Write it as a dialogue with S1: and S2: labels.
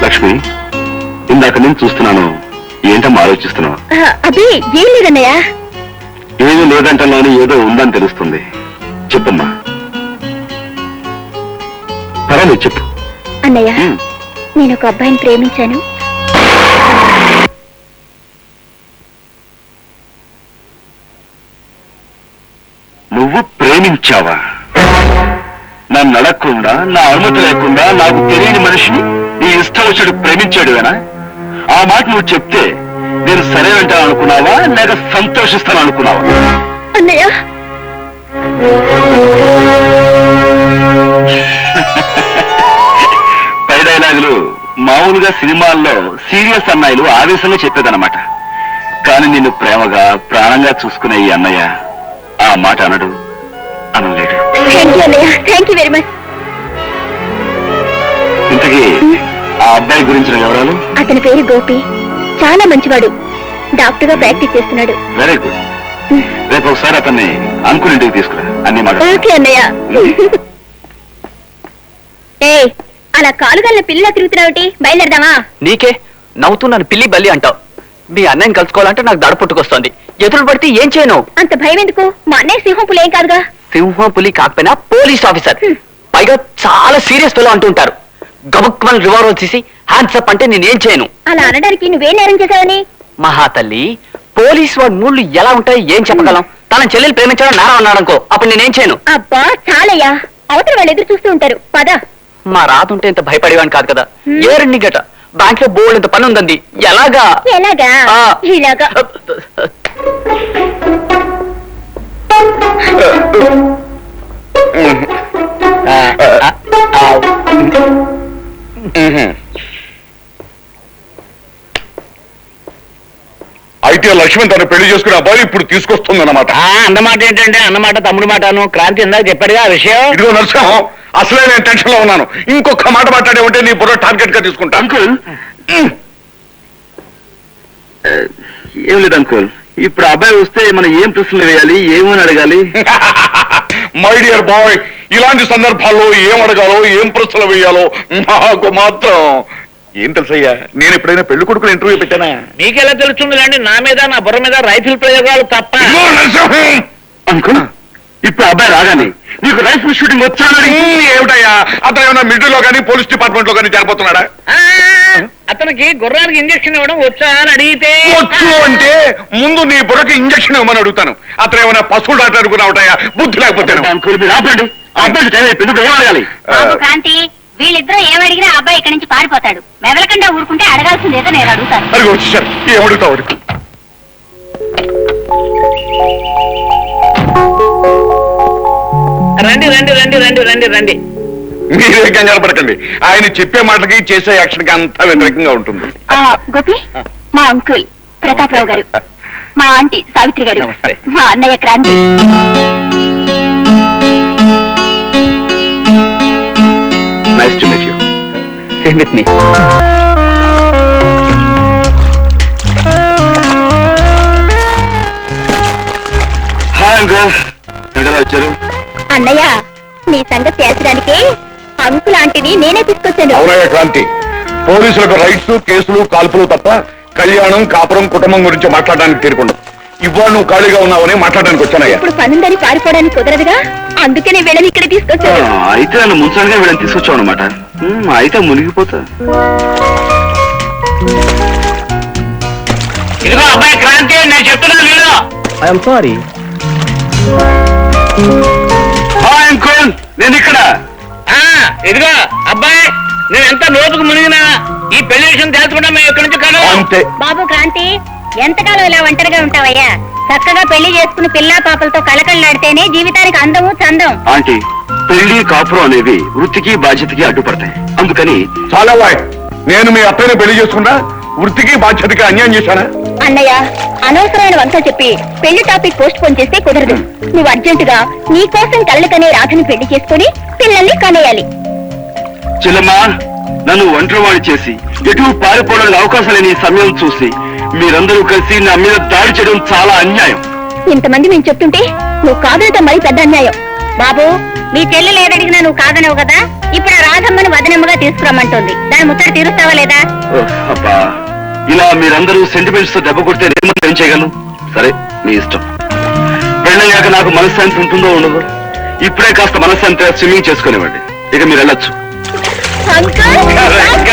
S1: లక్ష్మి, ఇందాక నేను చూస్తున్నాను, ఏంటమ్మా ఆలోచిస్తున్నావు?
S2: అదే ఏం లేదన్నయ్య.
S1: ఏమీ లేదంటలోని ఏదో ఉందని తెలుస్తుంది. చెప్పమ్మా. పర్వాలేదు, చెప్పు.
S2: అన్నయ్య, నేను ఒక అబ్బాయిని ప్రేమించాను.
S1: నువ్వు ప్రేమించావా? నన్ను అడగకుండా, నా అనుమతి లేకుండా నాకు తెలియని మనిషిని నీ ఇష్టం వచ్చాడు ప్రేమించాడువేనా? ఆ మాట నువ్వు చెప్తే నేను సరే అంటాను అనుకున్నావా, లేక సంతోషిస్తాను అనుకున్నావా?
S2: అన్నయ్య,
S1: పై డైలాగులు మామూలుగా సినిమాల్లో సీరియస్ అన్నయ్యలు ఆవేశంగా చెప్పేదన్నమాట. కానీ నిన్ను ప్రేమగా ప్రాణంగా చూసుకునే ఈ అన్నయ్య ఆ మాట అనడు, అనలేడు.
S2: Thank you very much.
S1: ఇంతకీ ఆ అబ్బాయి గురించిన వివరాలు?
S2: అతని పేరు గోపి, చాలా మంచివాడు. డాక్టర్ గా ప్రాక్టీస్ చేస్తున్నాడు.
S1: Very good. రేపు ఒకసారి అతన్ని అంకుల్ ఇంటికి తీసుకురా, అన్ని మాట.
S2: ఓకే అన్నయ్య. ఏ అలా కాలుగల్ల పిల్లలా తిరుగుతున్నావుటి? బయలుదేరదామా?
S3: నీకే నవ్వుతున్నాను పిల్లి బల్లి అంటావు. మీ అన్నయ్యని కలుసుకోవాలంటే నాకు దడ పుట్టుకొస్తోంది. ఎదురు పడితే ఏం చేయను?
S2: అంత భయం ఎందుకు? మా అన్నయ్య సింహం పులి ఏం కాదుగా.
S3: సింహం పులి కాకపోయినా పోలీస్ ఆఫీసర్, పైగా చాలా సీరియస్ ఫెలో అంటుంటారు. గబుక్మని రివాల్వర్ తీసి హ్యాండ్స్ అప్ అంటే నేనేం చేయను.
S2: అలా అనడానికి నువ్వేం నేరం చేశావని?
S3: మహాతల్లి, పోలీస్ వాడి మూళ్ళు ఎలా ఉంటాయి ఏం చెప్పగలం? తన చెల్లెలు ప్రేమించడం నేరం అన్నాడనుకో, అప్పుడు నేనేం చేయను.
S2: అబ్బా చాలయ్యా, అవతల వాళ్ళు ఎదురు చూస్తూ ఉంటారు. పద.
S3: మా రాతుంటే ఇంత భయపడేవాడిని కాదు కదా. ఏ రెండు గట బ్యాంక్ లో బోల్డ్ ఇంత పని ఉందండి. ఎలాగా?
S2: ఎలాగా? ఇలాగా.
S1: అయితే లక్ష్మణ్ తను పెళ్లి చేసుకునే అబ్బాయి ఇప్పుడు తీసుకొస్తుంది అన్నమాట.
S3: అన్నమాట ఏంటంటే అన్నమాట తమ్ముడు మాటను. క్రాంతి ఇందాక చెప్పాడుగా ఆ విషయం.
S1: ఇదిగో నరసింహం, అసలే నేను టెన్షన్ లో ఉన్నాను. ఇంకొక మాట మాట్లాడే ఉంటే నీ బుర్ర టార్గెట్ గా తీసుకుంటా. అంకుల్, ఏం లేదు అంకుల్, ఇప్పుడు అబ్బాయి వస్తే మనం ఏం ప్రశ్నలు వేయాలి, ఏమని అడగాలి? మై డియర్ బాయ్, ఇలాంటి సందర్భాల్లో ఏం అడగాలో ఏం ప్రశ్నలు వేయాలో నాకు మాత్రం ఏం తెలుసయ్యా. నేను ఎప్పుడైనా పెళ్లి కొడుకుని ఇంటర్వ్యూ పెట్టానా?
S3: మీకెలా తెలుస్తుంది అండి? నా మీద నా బుర్ర మీద రైఫిల్ ప్రయోగాలు తప్ప.
S1: అంకుల్, ఇప్పుడు అబ్బాయి రాగానే నీకు రైఫిల్ షూటింగ్ వచ్చానని ఏమిటయ్యా? అతను ఏమన్నా మిలిటరీలో కానీ పోలీస్ డిపార్ట్మెంట్ లో కానీ చేరిపోతున్నాడా?
S3: అతనికి గుర్రానికి ఇంజక్షన్ ఇవ్వడం వచ్చా అని అడిగితే
S1: వచ్చు అంటే ముందు నీ బుర్రకి ఇంజక్షన్ ఇవ్వమని అడుగుతాను. అతను ఏమైనా పశువులు డాక్టర్ అనుకున్నావుటయ్యా, బుద్ధి లేకపోతే.
S2: క్రాంతి, వీళ్ళిద్దరూ ఏమడిగినా అబ్బాయి ఇక్కడి నుంచి పారిపోతాడు. మెదలకుండా ఊరుకుంటే అడగాల్సిందేదో నేను అడుగుతాను.
S1: అది వచ్చేసారు, ఏమడుగుతావు అడుగు.
S3: రండి రండి రండి రండి రండి రండి.
S1: మీరే కంగారు పడకండి, ఆయన చెప్పే మాటలకి చేసే యాక్షన్ కి అంతా వ్యతిరేకంగా ఉంటుంది.
S2: గోపి, మా అంకుల్ ప్రతాపరావు గారు, మా ఆంటీ సావిత్రి గారు, మా అన్నయ్య Kranti.
S1: Nice to meet you.
S3: Stay with me.
S1: Hi uncle, ఎక్కడ వచ్చారు?
S2: అన్నయ్య, నీ సంగతి తేల్చడానికి అంకుల్ ఆంటీని నేనే తీసుకొచ్చాను.
S1: అవునయ్య క్రాంతి, పోలీసులకు రైట్స్, కేసులు, కాల్పులు తప్ప కళ్యాణం, కాపురం, కుటుంబం గురించి మాట్లాడడానికి తీరుకుండదు. ఇవాళ నువ్వు ఖాళీగా ఉన్నావని మాట్లాడడానికి వచ్చానయ్యా.
S2: ఇప్పుడు పనుందని పారిపోవడానికి కుదరదుగా, అందుకే నేను వీళ్ళని ఇక్కడ తీసుకొచ్చాను.
S1: అయితే నన్ను ముంచడానికి వీళ్ళని తీసుకొచ్చావు అనమాట. అయితే మునిగిపోతా.
S3: ఇదిగో అబ్బాయి క్రాంతి, నేను చెప్తున్నాను వీళ్ళు. I'm sorry.
S1: హాయ్ అంకుల్, నేను ఇక్కడ.
S3: ఇదిగో అబ్బాయి, నేను ఎంత లోతుకు మునిగినా ఈ పెళ్లి విషయం తెలుసుకుంటా మేము ఇక్కడి నుంచి కాదు.
S1: అంతే.
S2: బాబు క్రాంతి, ఎంతకాలం ఇలా ఒంటరిగా ఉంటావయ్యా? చక్కగా పెళ్లి చేసుకుని పిల్లా పాపలతో కలకళ్ళాడితేనే జీవితానికి అందము చందం.
S1: ఆంటీ, పెళ్లి, కాపురం అనేవి వృత్తికి బాధ్యతకి అడ్డుపడతాయి. అందుకని చాలా నేను మీ అత్తయ్యని పెళ్లి చేసుకున్నా వృత్తికి బాధ్యతకి అన్యాయం చేశానా?
S2: అన్నయ్య, అనవసరమైన వంక చెప్పి పెళ్లి టాపిక్ పోస్ట్ పోన్ చేస్తే కుదరదు. నువ్వు అర్జెంటుగా నీ కోసం కళ్ళకనే రాధని పెళ్లి చేసుకుని పిల్లల్ని కనేయాలి.
S1: చెల్లమ్మా, నన్ను ఒంటరివాణి చేసి ఎటు పారిపోవడానికి అవకాశం లేని సమయం చూసి మీరందరూ కలిసి నా మీద దాడి చేయడం చాలా అన్యాయం.
S2: ఇంతమంది మేము చెప్తుంటే నువ్వు కాదనటం మరి పెద్ద అన్యాయం. బాబు, మీ చెల్లెలు ఏదడిగినా నువ్వు కాదనవు కదా, ఇప్పుడు ఆ రాధమ్మని వదనమ్మగా తీసుకురమ్మంటుంది. దాని ముచ్చట తీరుస్తావా లేదా?
S1: ఓహ్, అబ్బా ఇలా మీరందరూ సెంటిమెంట్స్ తో దెబ్బ కొడితే నేను ఏం చేయగలను? సరే మీ ఇష్టం. పెళ్ళయ్యాక నాకు మనశ్శాంతి ఉంటుందో ఉండదు. ఇప్పుడే కాస్త మనశ్శాంతిగా స్విమ్మింగ్ చేసుకునేవ్వండి. ఇక మీరు వెళ్ళొచ్చు.
S2: అంకుల్